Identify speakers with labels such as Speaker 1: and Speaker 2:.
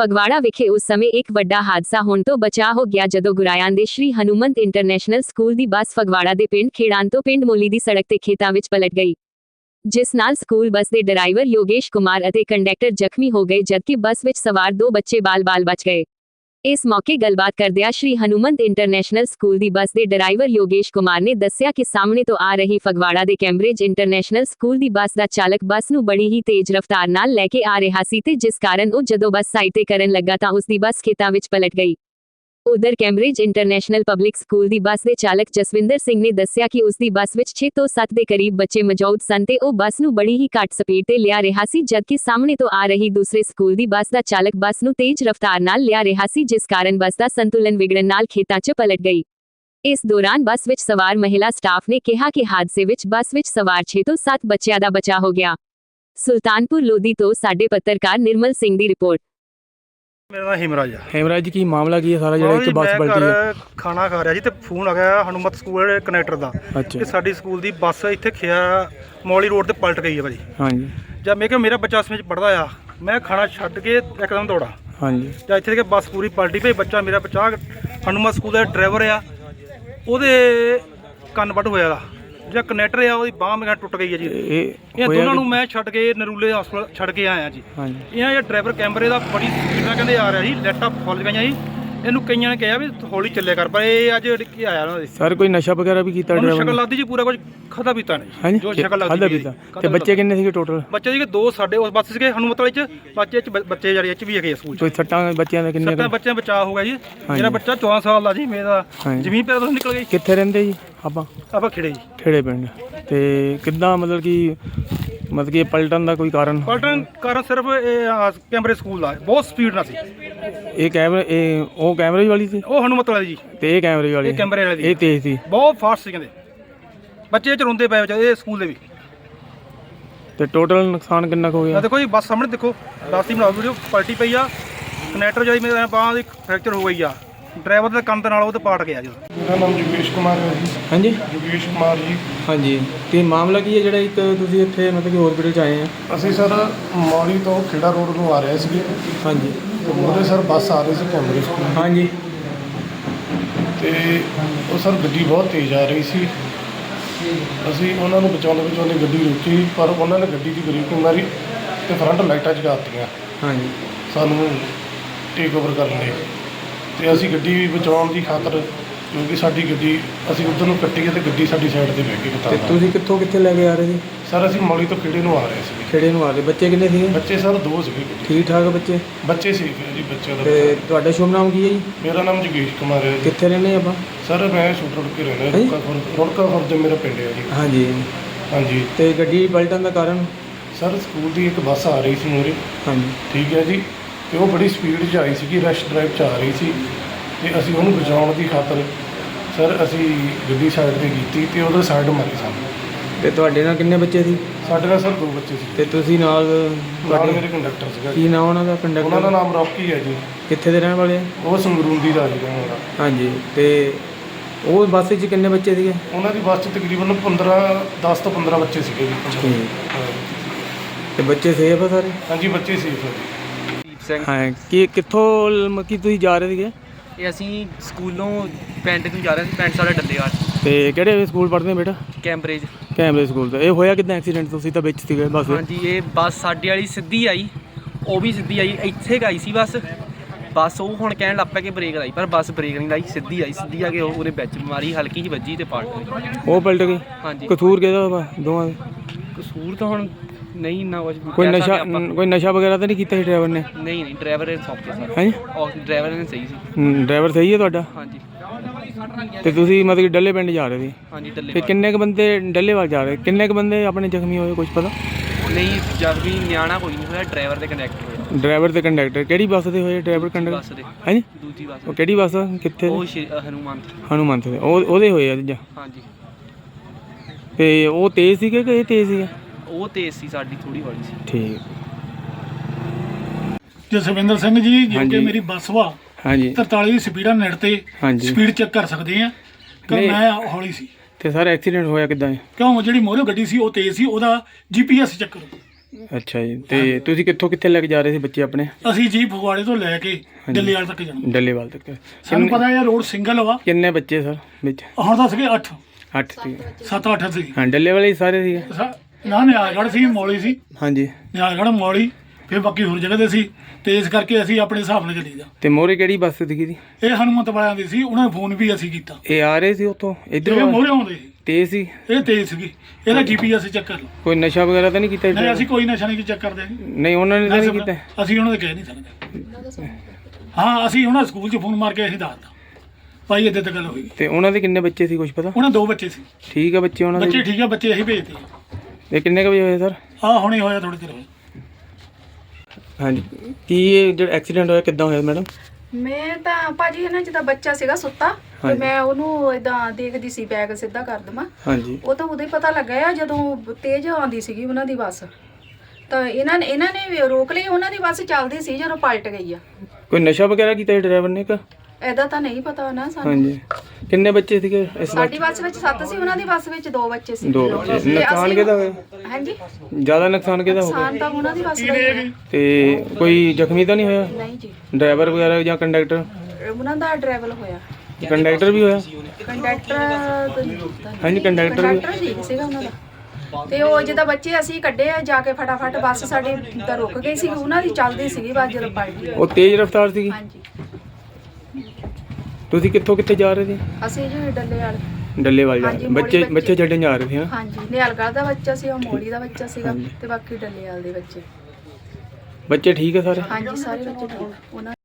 Speaker 1: ਫਗਵਾੜਾ ਵਿਖੇ ਉਸ ਸਮੇਂ ਇੱਕ ਵੱਡਾ ਹਾਦਸਾ ਹੋਣ ਤੋਂ ਬਚਾ ਹੋ ਗਿਆ ਜਦੋਂ ਗੁਰਾਇਆਂ ਦੇ ਸ਼੍ਰੀ ਹਨੂਮੰਤ ਇੰਟਰਨੈਸ਼ਨਲ ਸਕੂਲ ਦੀ ਬੱਸ ਫਗਵਾੜਾ ਦੇ ਪਿੰਡ ਖੇੜਾਂ ਤੋਂ ਪਿੰਡ ਮੋਲੀ ਦੀ ਸੜਕ ਤੇ ਖੇਤਾਂ ਵਿੱਚ ਪਲਟ ਗਈ, ਜਿਸ ਨਾਲ ਸਕੂਲ ਬੱਸ ਦੇ ਡਰਾਈਵਰ ਯੋਗੇਸ਼ ਕੁਮਾਰ ਅਤੇ ਕੰਡਕਟਰ ਜ਼ਖਮੀ ਹੋ ਗਏ ਜਦਕਿ ਬੱਸ ਵਿੱਚ ਸਵਾਰ 2 ਬੱਚੇ ਬਾਲ-ਬਾਲ ਬਚ ਗਏ। ਇਸ ਮੌਕੇ ਗੱਲਬਾਤ ਕਰਦਿਆਂ ਸ਼੍ਰੀ ਹਨੂਮੰਤ ਇੰਟਰਨੈਸ਼ਨਲ ਸਕੂਲ ਦੀ ਬੱਸ ਦੇ ਡਰਾਈਵਰ ਯੋਗੇਸ਼ ਕੁਮਾਰ ਨੇ ਦੱਸਿਆ ਕਿ ਸਾਹਮਣੇ ਤੋਂ ਆ ਰਹੀ ਫਗਵਾੜਾ ਦੇ ਕੈਂਬਰਿਜ ਇੰਟਰਨੈਸ਼ਨਲ ਸਕੂਲ ਦੀ ਬੱਸ ਦਾ ਚਾਲਕ ਬੱਸ ਨੂੰ ਬੜੀ ਹੀ ਤੇਜ਼ ਰਫ਼ਤਾਰ ਨਾਲ ਲੈ ਕੇ ਆ ਰਿਹਾ ਸੀ ਤੇ ਜਿਸ ਕਾਰਨ ਉਹ ਜਦੋਂ ਬੱਸ ਸਾਈਡ ਤੇ ਕਰਨ ਲੱਗਾ ਤਾਂ ਉਸ ਦੀ ਬੱਸ ਖੇਤਾਂ ਵਿੱਚ ਪਲਟ ਗਈ। ਉਧਰ ਕੈਂਬਰਿਜ ਇੰਟਰਨੈਸ਼ਨਲ ਪਬਲਿਕ ਸਕੂਲ ਦੀ ਬੱਸ ਦੇ ਚਾਲਕ ਜਸਵਿੰਦਰ ਸਿੰਘ ਨੇ ਦੱਸਿਆ ਕਿ ਉਸ ਦੀ ਬੱਸ ਵਿੱਚ 6 ਤੋਂ 7 ਦੇ ਕਰੀਬ ਬੱਚੇ ਮੌਜੂਦ ਸਨ ਤੇ ਉਹ ਬੱਸ ਨੂੰ ਬੜੀ ਹੀ ਘੱਟ ਸਪੀਡ ਤੇ ਲਿਆ ਰਿਹਾ ਸੀ ਜਦਕਿ ਸਾਹਮਣੇ ਤੋਂ ਆ ਰਹੀ ਦੂਸਰੇ ਸਕੂਲ ਦੀ ਬੱਸ ਦਾ ਚਾਲਕ ਬੱਸ ਨੂੰ ਤੇਜ਼ ਰਫ਼ਤਾਰ ਨਾਲ ਲਿਆ ਰਿਹਾ ਸੀ ਜਿਸ ਕਾਰਨ ਬੱਸ ਦਾ ਸੰਤੁਲਨ ਵਿਗੜਨ ਨਾਲ ਖੇਤਾਂ 'ਚ ਪਲਟ ਗਈ। ਇਸ ਦੌਰਾਨ ਬੱਸ ਵਿੱਚ ਸਵਾਰ ਮਹਿਲਾ ਸਟਾਫ ਨੇ ਕਿਹਾ ਕਿ ਹਾਦਸੇ ਵਿੱਚ ਬੱਸ ਵਿੱਚ ਸਵਾਰ 6 ਤੋਂ 7 ਬੱਚਿਆਂ ਦਾ ਬਚਾਅ ਹੋ ਗਿਆ। ਸੁਲਤਾਨਪੁਰ ਲੋਧੀ ਤੋਂ ਸਾਡੇ ਪੱਤਰਕਾਰ ਨਿਰਮਲ ਸਿੰਘ ਦੀ ਰਿਪੋर्ट।
Speaker 2: मेरा नाम हेमराज है।
Speaker 3: हेमराज जी की मामला की है सारा जो एक बस पलटी है।
Speaker 2: खाना खा रहा जी तो फोन आ गया हनुमत स्कूल कनैक्टर का कि साडी स्कूल की बस इत्थे खिया मौली रोड ते पलट गई है भाजी। हाँ जी। जब मैं क्या मेरा बच्चा उसमें पढ़ता आ मैं खाना छड्ड के एकदम दौड़ा। हाँ जी। जब इत्थे के बस पूरी पलटी पे बच्चा मेरा बच्चा हनुमत स्कूल का ड्राइवर आ ਉਹਦੇ ਕੰਨ ਵੱਢ ਹੋਇਆ ਜਿਹੜਾ ਕਨੈਕਟਰ ਆ ਉਹਦੀ ਬਾਂਹ ਮੇਰਾ ਟੁੱਟ ਗਈ ਹੈ ਜੀ। ਇਹ ਦੋਨਾਂ ਨੂੰ ਮੈਂ ਛੱਡ ਕੇ ਨਰੂਲੇ ਹਸਪਤਾਲ ਛੱਡ ਕੇ ਆਇਆ ਜੀ। ਇਹਨਾਂ ਜਿਹੜਾ ਡਰਾਈਵਰ ਕੈਮਰੇ ਦਾ ਬੜੀ ਸਪੀਡ ਨਾਲ ਕਹਿੰਦੇ ਆ ਰਿਹਾ ਜੀ, ਲਾਈਟਾਂ ਫੁੱਲ ਗਈਆਂ ਜੀ। ਇਹਨੂੰ ਕਈਆਂ ਨੇ ਕਿਹਾ ਵੀ ਹੌਲੀ ਚੱਲਿਆ ਕਰ ਪਰ ਇਹ ਅੱਜ ਕੀ ਆਇਆ ਉਹਨਾਂ ਦੇ
Speaker 3: ਸਰ ਕੋਈ ਨਸ਼ਾ ਵਗੈਰਾ ਵੀ ਕੀਤਾ ਡਰਾਈਵਰ
Speaker 2: ਸ਼ਕਲ ਲੱਗਦੀ ਜੀ ਪੂਰਾ ਕੁਝ ਖਾਦਾ ਪੀਤਾ ਨਹੀਂ ਜੋ ਸ਼ਕਲ ਲੱਗਦੀ ਹੈ।
Speaker 3: ਤੇ ਬੱਚੇ ਕਿੰਨੇ ਸੀਗੇ ਟੋਟਲ?
Speaker 2: ਬੱਚੇ ਸੀਗੇ 2 ਸਾਡੇ ਉਸ ਬੱਸ ਸੀਗੇ ਹਨੂਮਤ ਵਾਲੇ ਚ ਬੱਚੇ ਜਿਹੜੇ ਚ ਵੀ ਹੈਗੇ ਸਕੂਲ ਚ।
Speaker 3: ਕੋਈ ਸੱਟਾਂ ਬੱਚਿਆਂ ਦਾ ਕਿੰਨੇ?
Speaker 2: ਸੱਟਾਂ ਬੱਚਿਆਂ ਬਚਾਅ ਹੋ ਗਿਆ ਜੀ। ਮੇਰਾ ਬੱਚਾ 14 ਸਾਲ ਦਾ ਜੀ, ਮੇਰਾ ਜ਼ਮੀਨ ਪੈਰ ਤੋਂ ਨਿਕਲ ਗਈ।
Speaker 3: ਕਿੱਥੇ ਰਹਿੰਦੇ ਜੀ ਆਪਾਂ
Speaker 2: ਖੇੜੇ ਜੀ,
Speaker 3: ਖੇੜੇ ਪਿੰਡ। ਤੇ ਕਿੱਦਾਂ ਮਤਲਬ ਕਿ ਪਲਟਣ ਦਾ ਕੋਈ ਕਾਰਨ
Speaker 2: ਸਿਰਫ ਇਹ ਕੈਮਰੇ ਸਕੂਲ ਦਾ ਬਹੁਤ ਸਪੀਡ ਨਾਲ ਸੀ।
Speaker 3: ਇਹ ਕੈਮਰੇ ਵਾਲੀ ਸੀ,
Speaker 2: ਉਹ ਹਨੂਮਤ ਵਾਲੀ ਜੀ ਤੇ
Speaker 3: ਇਹ ਕੈਮਰੇ ਵਾਲੀ ਇਹ ਤੇਜ਼ ਸੀ,
Speaker 2: ਬਹੁਤ ਫਾਸਟ ਸੀ। ਕਹਿੰਦੇ ਬੱਚੇ ਚ ਰੋਂਦੇ ਪਏ ਵਿਚਾਰੇ ਇਹ ਸਕੂਲ ਦੇ ਵੀ।
Speaker 3: ਤੇ ਟੋਟਲ ਨੁਕਸਾਨ ਕਿੰਨਾ ਕੁ ਹੋ ਗਿਆ?
Speaker 2: ਦੇਖੋ ਜੀ ਬੱਸ ਸਾਹਮਣੇ ਦੇਖੋ, ਰਾਸਤੀ ਬਣਾਓ ਵੀਡੀਓ ਪਲਟੀ ਪਈ ਆ। ਕਨੈਕਟਰ ਜਿਹੜੀ ਮੇਰੇ ਬਾਂਹ ਦੀ ਫ੍ਰੈਕਚਰ ਹੋ ਗਈ ਆ, ਡਰਾਈਵਰ ਦੇ ਕੰਨ ਦੇ ਨਾਲ ਉਹਦੇ ਪਾਟ ਗਿਆ ਜੀ।
Speaker 4: ਮੇਰਾ ਨਾਮ ਯੋਗੇਸ਼ ਕੁਮਾਰ ਹੈ ਜੀ।
Speaker 3: ਹਾਂਜੀ
Speaker 4: ਯੋਗੇਸ਼ ਕੁਮਾਰ ਜੀ।
Speaker 3: ਹਾਂਜੀ। ਤੇ ਮਾਮਲਾ ਕੀ ਹੈ ਜਿਹੜਾ ਇੱਕ ਤੁਸੀਂ ਇੱਥੇ ਮਤਲਬ ਕਿ ਹਸਪੀਟਲ 'ਚ ਆਏ ਆ?
Speaker 4: ਅਸੀਂ ਸਰ ਮੌਲੀ ਤੋਂ ਖੇੜਾ ਰੋਡ ਨੂੰ ਆ ਰਹੇ ਸੀਗੇ।
Speaker 3: ਹਾਂਜੀ।
Speaker 4: ਉਹਦੇ ਸਰ ਬੱਸ ਆ ਰਹੀ ਸੀ ਕੈਂਬਰਿਜ ਸਕੂਲ।
Speaker 3: ਹਾਂਜੀ।
Speaker 4: ਤੇ ਉਹ ਸਰ ਗੱਡੀ ਬਹੁਤ ਤੇਜ਼ ਆ ਰਹੀ ਸੀ। ਅਸੀਂ ਉਹਨਾਂ ਨੂੰ ਬਚਾਉਂਦੇ ਗੱਡੀ ਰੋਕੀ ਪਰ ਉਹਨਾਂ ਨੇ ਗੱਡੀ ਦੀ ਬ੍ਰੇਕ ਮਾਰੀ ਤੇ ਫਰੰਟ ਲਾਈਟਾਂ ਜਗਾ ਦਿੱਤੀਆਂ। ਹਾਂਜੀ। ਸਾਨੂੰ ਟੇਕ ਓਵਰ ਕਰਨ ਲਈ ਤੇ ਅਸੀਂ ਗੱਡੀ ਬਚਾਉਣ ਦੀ ਖਾਤਰ ਕਿਉਂਕਿ ਸਾਡੀ ਗੱਡੀ ਅਸੀਂ ਉੱਧਰ ਨੂੰ ਕੱਟੀ ਤੇ ਗੱਡੀ ਸਾਡੀ ਸਾਈਡ ਤੇ ਬਹਿ ਗਈ।
Speaker 3: ਤੇ ਤੁਸੀਂ ਕਿੱਥੇ ਲੈ ਕੇ ਆ ਰਹੇ ਸੀ?
Speaker 4: ਸਰ ਅਸੀਂ ਮੌਲੀ ਤੋਂ ਖੇੜੇ ਨੂੰ ਆ ਰਹੇ ਸੀ।
Speaker 3: ਖੇੜੇ ਨੂੰ ਆ ਰਹੇ। ਬੱਚੇ ਕਿੰਨੇ ਸੀਗੇ?
Speaker 4: ਬੱਚੇ ਸਰ 2 ਸੀਗੇ।
Speaker 3: ਠੀਕ ਠਾਕ
Speaker 4: ਬੱਚੇ ਸੀ ਜੀ। ਬੱਚਿਆਂ ਦਾ।
Speaker 3: ਤੇ ਤੁਹਾਡਾ ਸ਼ੁਭ ਨਾਮ ਕੀ ਹੈ ਜੀ?
Speaker 4: ਮੇਰਾ ਨਾਮ ਯੋਗੇਸ਼ ਕੁਮਾਰ ਹੈ।
Speaker 3: ਕਿੱਥੇ ਰਹਿੰਦੇ ਆਪਾਂ?
Speaker 4: ਸਰ ਮੈਂ ਸ਼ੂਟ ਰੋਡ ਕੇ ਰਹਿੰਦਾ, ਰੁੜਕਾ ਖੁਰਦ ਮੇਰਾ ਪਿੰਡ ਹੈ ਜੀ।
Speaker 3: ਹਾਂਜੀ
Speaker 4: ਹਾਂਜੀ।
Speaker 3: ਤੇ ਗੱਡੀ ਪਲਟਣ ਦਾ ਕਾਰਨ?
Speaker 4: ਸਰ ਸਕੂਲ ਦੀ ਇੱਕ ਬੱਸ ਆ ਰਹੀ ਸੀ ਮੂਹਰੇ। ਹਾਂਜੀ। ਠੀਕ ਹੈ ਜੀ। ਤੇ ਉਹ ਬੜੀ ਸਪੀਡ 'ਚ ਆਈ ਸੀਗੀ, ਰਸ਼ ਡਰਾਈਵ 'ਚ ਆ ਰਹੀ ਸੀ ਤੇ ਅਸੀਂ ਉਹਨੂੰ ਬਚਾਉਣ ਦੀ ਖਾਤਰ ਸਰ ਅਸੀਂ ਗੱਡੀ ਸਾਈਡ 'ਤੇ ਕੀਤੀ ਤੇ ਉਹਦੇ ਸਾਈਡ ਮਾਰੀ ਸਾਨੂੰ।
Speaker 3: ਤੇ ਤੁਹਾਡੇ ਨਾਲ ਕਿੰਨੇ ਬੱਚੇ ਸੀ?
Speaker 4: ਸਾਡੇ ਨਾਲ ਸਰ 2 ਬੱਚੇ ਸੀ।
Speaker 3: ਤੇ ਤੁਸੀਂ ਨਾਲ
Speaker 4: ਮੇਰੇ ਕੰਡਕਟਰ ਸੀਗਾ।
Speaker 3: ਕੀ ਨਾਮ ਉਹਨਾਂ ਦਾ? ਕੰਡਕਟਰ
Speaker 4: ਉਹਨਾਂ ਦਾ ਨਾਮ ਰੌਕੀ ਹੈ ਜੀ।
Speaker 3: ਕਿੱਥੇ ਦੇ ਰਹਿਣ ਵਾਲੇ?
Speaker 4: ਉਹ ਸੰਗਰੂੰਦੀ ਦਾ ਸੀਗਾ ਉਹਨਾਂ ਦਾ।
Speaker 3: ਹਾਂਜੀ। ਤੇ ਉਹ ਬੱਸ ਵਿੱਚ ਕਿੰਨੇ ਬੱਚੇ ਸੀਗੇ?
Speaker 4: ਉਹਨਾਂ ਦੀ ਬੱਸ 'ਚ ਤਕਰੀਬਨ 10 ਤੋਂ 15 ਬੱਚੇ ਸੀਗੇ ਜੀ।
Speaker 3: ਤੇ ਬੱਚੇ ਸੇਫ ਆ ਸਾਰੇ?
Speaker 4: ਹਾਂਜੀ ਬੱਚੇ ਸੇਫ ਹੈ ਜੀ।
Speaker 3: ਹਾਂ। ਕਿੱਥੋਂ ਤੁਸੀਂ ਜਾ ਰਹੇ ਸੀਗੇ?
Speaker 5: ਇਹ ਅਸੀਂ ਸਕੂਲੋਂ ਪਿੰਡ ਨੂੰ ਜਾ ਰਹੇ ਸੀ, ਪਿੰਡ ਸਾਡਾ ਡੱਲੇਵਾਲ।
Speaker 3: ਤੇ ਕਿਹੜੇ ਸਕੂਲ ਪੜ੍ਹਦੇ ਬੇਟਾ?
Speaker 5: ਕੈਂਬਰਿਜ
Speaker 3: ਸਕੂਲ ਦਾ। ਇਹ ਹੋਇਆ ਕਿੱਦਾਂ ਐਕਸੀਡੈਂਟ? ਤੁਸੀਂ ਤਾਂ ਵਿੱਚ ਸੀਗੇ ਬੱਸ।
Speaker 5: ਹਾਂਜੀ। ਇਹ ਬੱਸ ਸਾਡੇ ਵਾਲੀ ਸਿੱਧੀ ਆਈ, ਉਹ ਵੀ ਸਿੱਧੀ ਆਈ, ਇੱਥੇ ਗਈ ਸੀ ਬੱਸ ਉਹ ਹੁਣ ਕਹਿਣ ਲੱਗ ਪਿਆ ਕਿ ਬ੍ਰੇਕ ਲਾਈ ਪਰ ਬੱਸ ਬ੍ਰੇਕ ਨਹੀਂ ਲਾਈ, ਸਿੱਧੀ ਆਈ। ਸਿੱਧੀ ਆ ਕੇ ਉਹਦੇ ਵਿੱਚ ਮਾਰੀ, ਹਲਕੀ ਜਿਹੀ ਵੱਜੀ ਤੇ ਪਲਟ ਗਈ।
Speaker 3: ਉਹ ਪਲਟ ਗਈ? ਹਾਂਜੀ। ਕਸੂਰ ਕਿਹਦਾ ਵਾ ਦੋਵਾਂ ਦਾ?
Speaker 5: ਕਸੂਰ ਤਾਂ ਹੁਣ ਨਹੀਂ ਨਾ
Speaker 3: ਕੋਈ ਨਸ਼ਾ ਵਗੈਰਾ ਤਾਂ ਨਹੀਂ ਕੀਤਾ ਸੀ ਡਰਾਈਵਰ ਨੇ?
Speaker 5: ਨਹੀਂ ਡਰਾਈਵਰ ਸੌਕੇ ਸਰ।
Speaker 3: ਹਾਂਜੀ।
Speaker 5: ਡਰਾਈਵਰ ਨੇ ਸਹੀ ਸੀ।
Speaker 3: ਡਰਾਈਵਰ ਸਹੀ ਹੈ ਤੁਹਾਡਾ?
Speaker 5: ਹਾਂਜੀ।
Speaker 3: ਤੇ ਤੁਸੀਂ ਮਤਲਬ ਕਿ ਡੱਲੇ ਪਿੰਡ ਜਾ ਰਹੇ ਸੀ?
Speaker 5: ਹਾਂਜੀ ਡੱਲੇ।
Speaker 3: ਤੇ ਕਿੰਨੇ ਕੁ ਬੰਦੇ ਡੱਲੇਵਾਲ ਜਾ ਰਹੇ? ਕਿੰਨੇ ਕੁ ਬੰਦੇ ਆਪਣੇ ਜ਼ਖਮੀ ਹੋਏ ਕੁਝ ਪਤਾ?
Speaker 5: ਨਹੀਂ ਜ਼ਖਮੀ ਨਿਆਣਾ ਕੋਈ ਨਹੀਂ ਹੋਇਆ, ਡਰਾਈਵਰ ਤੇ ਕੰਡਕਟਰ ਹੋਇਆ।
Speaker 3: ਡਰਾਈਵਰ ਤੇ ਕੰਡਕਟਰ ਕਿਹੜੀ ਬੱਸ ਦੇ ਹੋਏ? ਡਰਾਈਵਰ ਕੰਡਕਟਰ
Speaker 5: ਬੱਸ ਦੇ।
Speaker 3: ਹਾਂਜੀ।
Speaker 5: ਦੂਜੀ ਬੱਸ।
Speaker 3: ਉਹ ਕਿਹੜੀ ਬੱਸ? ਕਿੱਥੇ?
Speaker 5: ਉਹ
Speaker 3: ਹਨੂਮੰਤ ਦੇ। ਉਹਦੇ ਹੋਏ ਆ ਦੂਜਾ?
Speaker 5: ਹਾਂਜੀ।
Speaker 3: ਤੇ ਉਹ ਤੇਜ਼ ਸੀਗੇ ਕਿ ਇਹ ਤੇਜ਼ ਸੀਗਾ?
Speaker 5: ਉਹ ਤੇਜ਼ ਸੀ, ਸਾਡੀ ਥੋੜੀ ਹੌਲੀ ਸੀ।
Speaker 3: ਠੀਕ।
Speaker 6: ਜਸਵਿੰਦਰ ਸਿੰਘ ਜੀ, ਜੋ ਕਿ ਮੇਰੀ ਬੱਸ ਵਾ
Speaker 3: ਹਾਂਜੀ
Speaker 6: 43 ਦੀ ਸਪੀਡਾਂ ਨੇੜ ਤੇ ਸਪੀਡ ਚੈੱਕ ਕਰ ਸਕਦੇ ਆ ਕਿ ਮੈਂ ਹੌਲੀ ਸੀ।
Speaker 3: ਤੇ ਸਰ ਐਕਸੀਡੈਂਟ ਹੋਇਆ ਕਿੱਦਾਂ ਹੈ?
Speaker 6: ਕਿਉਂ ਜਿਹੜੀ ਮੋਹਰੇ ਗੱਡੀ ਸੀ ਉਹ ਤੇਜ਼ ਸੀ, ਉਹਦਾ GPS ਚੈੱਕ ਕਰੋ।
Speaker 3: ਅੱਛਾ ਜੀ, ਤੇ ਤੁਸੀਂ ਕਿੱਥੇ ਲੈ ਕੇ ਜਾ ਰਹੇ ਸੀ ਬੱਚੇ ਆਪਣੇ?
Speaker 6: ਅਸੀਂ ਜੀ ਫਗਵਾੜੇ ਤੋਂ ਲੈ ਕੇ ਦਿੱਲੀ ਵਾਲ ਤੱਕ ਜਾਣਾ।
Speaker 3: ਡੱਲੇਵਾਲ ਤੱਕ।
Speaker 6: ਸਾਨੂੰ ਪਤਾ ਇਹ ਰੋਡ ਸਿੰਗਲ ਵਾ।
Speaker 3: ਕਿੰਨੇ ਬੱਚੇ ਸਰ ਵਿੱਚ?
Speaker 6: ਹੁਣ ਤਾਂ ਸੀਗੇ 8
Speaker 3: 8 ਸੀ।
Speaker 6: 7-8 ਸੀ।
Speaker 3: ਹਾਂ, ਡੱਲੇਵਾਲ ਹੀ ਸਾਰੇ ਸੀਗੇ।
Speaker 6: ਨਾ ਨਿਆਗੜ੍ਹ ਸੀ, ਮੌਲੀ ਸੀ,
Speaker 3: ਹਾਂਜੀ।
Speaker 6: ਨਿਆਗੜ੍ਹ ਮੌਲੀ, ਫਿਰ ਬਾਕੀ ਹੋਰ ਜਗ੍ਹਾ ਦੇ ਸੀ, ਤੇ ਇਸ ਕਰਕੇ ਅਸੀਂ ਆਪਣੇ ਹਿਸਾਬ ਨਾਲ ਚੱਲੀ ਜਾ।
Speaker 3: ਤੇ ਮੋਰੇ ਕਿਹੜੀ ਬੱਸ ਸੀਗੀ ਜੀ?
Speaker 6: ਇਹ ਹਨੂਮਤ ਵਾਲਿਆਂ ਦੀ ਸੀ, ਉਹਨਾਂ ਨੇ ਫੋਨ ਵੀ ਅਸੀਂ ਕੀਤਾ।
Speaker 3: ਇਹ ਆ ਰਹੇ ਸੀ ਉੱਥੋਂ
Speaker 6: ਇਹ
Speaker 3: ਇੱਧਰ?
Speaker 6: ਮੋਹਰੇ ਆਉਂਦੇ ਸੀ,
Speaker 3: ਤੇਜ਼ ਸੀ?
Speaker 6: ਇਹ ਤੇਜ਼ ਸੀਗੀ। ਇਹਦਾ GPS ਚੈੱਕ ਕਰ ਲਓ।
Speaker 3: ਕੋਈ ਨਸ਼ਾ ਵਗੈਰਾ ਤਾਂ ਨਹੀਂ ਕੀਤਾ
Speaker 6: ਨਹੀਂ,
Speaker 3: ਇੱਧਰ?
Speaker 6: ਅਸੀਂ ਕੋਈ ਨਸ਼ਾ ਨਹੀਂ ਚੈੱਕ ਕਰਦੇ।
Speaker 3: ਨਹੀਂ, ਉਹਨਾਂ ਨੇ ਤਾਂ ਨਹੀਂ ਕੀਤਾ?
Speaker 6: ਅਸੀਂ ਉਹਨਾਂ ਦੇ ਕਹਿ ਨਹੀਂ ਸਕਦੇ। ਹਾਂ, ਅਸੀਂ ਉਹਨਾਂ ਸਕੂਲ 'ਚ ਫੋਨ ਮਾਰ ਕੇ ਅਸੀਂ ਦੱਸਦਾ ਭਾਈ ਇੱਦਾਂ ਤਾਂ ਗੱਲ ਹੋਈ।
Speaker 3: ਤੇ ਉਹਨਾਂ ਦੇ ਕਿੰਨੇ ਬੱਚੇ ਸੀ ਕੁਝ ਪਤਾ?
Speaker 6: ਉਹਨਾਂ 2 ਬੱਚੇ ਸੀ।
Speaker 3: ਠੀਕ ਆ ਬੱਚੇ ਉਹਨਾਂ
Speaker 6: ਬੱਚੇ
Speaker 3: ਦੇ?
Speaker 6: ਠੀਕ ਆ, ਬੱਚੇ ਅਸੀਂ ਭੇਜਦੇ ਆ।
Speaker 3: ਇਹ ਕਿੰਨੇ ਕੁ ਵਜੇ ਹੋਏ ਸਰ?
Speaker 6: ਹੁਣੇ ਹੋਇਆ, ਥੋੜੇ ਚਿਰ ਹੋਇਆ।
Speaker 3: ਹਾਂਜੀ, ਕੀ ਇਹ ਜਿਹੜਾ ਐਕਸੀਡੈਂਟ ਹੋਇਆ ਕਿੱਦਾਂ ਹੋਇਆ ਮੈਡਮ?
Speaker 7: ਮੈਂ ਤਾਂ ਭਾਜੀ ਨਾ ਜਿੱਦਾਂ ਬੱਚਾ ਸੀਗਾ ਸੁੱਤਾ ਤੇ
Speaker 3: ਹਾਂਜੀ।
Speaker 7: ਮੈਂ ਉਹਨੂੰ ਇਦਾਂ ਦੇਖਦੀ ਸੀ ਬੈਗ ਸਿੱਧਾ ਕਰ ਦਵਾਂ।
Speaker 3: ਹਾਂਜੀ।
Speaker 7: ਉਹ ਤਾਂ ਉਦੋਂ ਹੀ ਪਤਾ ਲੱਗਾ ਆ ਜਦੋਂ ਤੇਜ਼ ਆਉਂਦੀ ਸੀਗੀ ਉਹਨਾਂ ਦੀ ਬੱਸ, ਤਾਂ ਇਹਨਾਂ ਨੇ ਵੀ ਰੋਕ ਲਈ। ਉਹਨਾਂ ਦੀ ਬੱਸ ਚੱਲਦੀ ਸੀ ਜਦੋਂ ਪਲਟ ਗਈ ਆ।
Speaker 3: ਕੋਈ ਨਸ਼ਾ ਵਗੈਰਾ ਕੀਤਾ ਡਰਾਈਵਰ ਨੇ ਕਿ?
Speaker 7: ਐਦਾ ਤਾਂ ਨਹੀਂ ਪਤਾ ਨਾ ਸਾਨੂੰ।
Speaker 3: ਹਾਂਜੀ। ਕਿੰਨੇ ਬੱਚੇ ਸੀਗੇ ਇਸ
Speaker 7: ਸਾਡੀ ਬੱਸ ਵਿੱਚ 7 ਸੀ, ਉਹਨਾਂ ਦੀ ਬੱਸ ਵਿੱਚ 2 ਬੱਚੇ ਸੀ।
Speaker 3: 2 ਬੱਚੇ।
Speaker 7: ਤੇ
Speaker 3: ਨੁਕਸਾਨ
Speaker 7: ਅਸੀਂ-
Speaker 3: ਕਿਹਦਾ ਹੋਇਆ?
Speaker 7: ਹਾਂਜੀ,
Speaker 3: ਜ਼ਿਆਦਾ ਨੁਕਸਾਨ ਕਿਹਦਾ ਹੋ ਗਿਆ?
Speaker 7: ਨੁਕਸਾਨ ਤਾਂ ਉਹਨਾਂ ਦੀ ਬੱਸ ਦਾ ਹੀ ਹੋਇਆ।
Speaker 3: ਤੇ ਕੋਈ ਜ਼ਖਮੀ ਤਾਂ ਨਹੀਂ ਹੋਇਆ?
Speaker 7: ਨਹੀਂ ਜੀ,
Speaker 3: ਡਰਾਈਵਰ ਵਗੈਰਾ ਜਾਂ ਕੰਡਕਟਰ?
Speaker 7: ਉਹਨਾਂ ਦਾ ਡਰਾਈਵਰ ਹੋਇਆ।
Speaker 3: ਕੰਡਕਟਰ ਵੀ ਹੋਇਆ?
Speaker 7: ਕੰਡਕਟਰ
Speaker 3: ਹਾਂਜੀ, ਕੰਡਕਟਰ ਵੀ।
Speaker 7: ਠੀਕ ਸੀਗਾ ਉਹਨਾਂ ਦਾ। ਤੇ ਉਹ ਜਿੱਦਾਂ ਬੱਚੇ ਅਸੀਂ ਕੱਢੇ ਆ ਜਾ ਕੇ ਫਟਾਫਟ, ਬੱਸ ਸਾਡੀ ਤਾਂ ਰੁਕ ਗਈ ਸੀ, ਉਹਨਾਂ ਦੀ ਚੱਲਦੀ ਸੀਗੀ ਬੱਸ ਜਦੋਂ ਪਲਟੀ।
Speaker 3: ਉਹ ਤੇਜ਼ ਰਫ਼ਤਾਰ ਸੀਗੀ?
Speaker 7: ਹਾਂਜੀ,
Speaker 3: ਤੁਸੀਂ ਕਿੱਥੇ ਜਾ ਰਹੇ ਸੀ?
Speaker 7: ਅਸੀਂ ਜੀ ਡੱਲੇਵਾਲ।
Speaker 3: ਡੱਲੇਵਾਲ ਜਾ
Speaker 7: ਹਾਂਜੀ,
Speaker 3: ਰਹੇ?
Speaker 7: ਮੋੜੀ
Speaker 3: ਬੱਚੇ
Speaker 7: ਬੱਚੇ
Speaker 3: ਛੱਡਣ ਜਾ ਰਹੇ ਸੀ ਹਾਂ?
Speaker 7: ਹਾਂਜੀ, ਨਿਹਾਲਗੜ੍ਹ ਦਾ ਬੱਚਾ ਸੀ, ਉਹ ਮੋੜੀ ਦਾ ਬੱਚਾ ਸੀਗਾ, ਤੇ ਬਾਕੀ ਡੱਲੇਵਾਲ ਦੇ ਬੱਚੇ।
Speaker 3: ਬੱਚੇ ਠੀਕ ਹੈ ਸਾਰੇ?
Speaker 7: ਹਾਂਜੀ, ਸਾਰੇ ਬੱਚੇ ਠੀਕ ਉਹਨਾਂ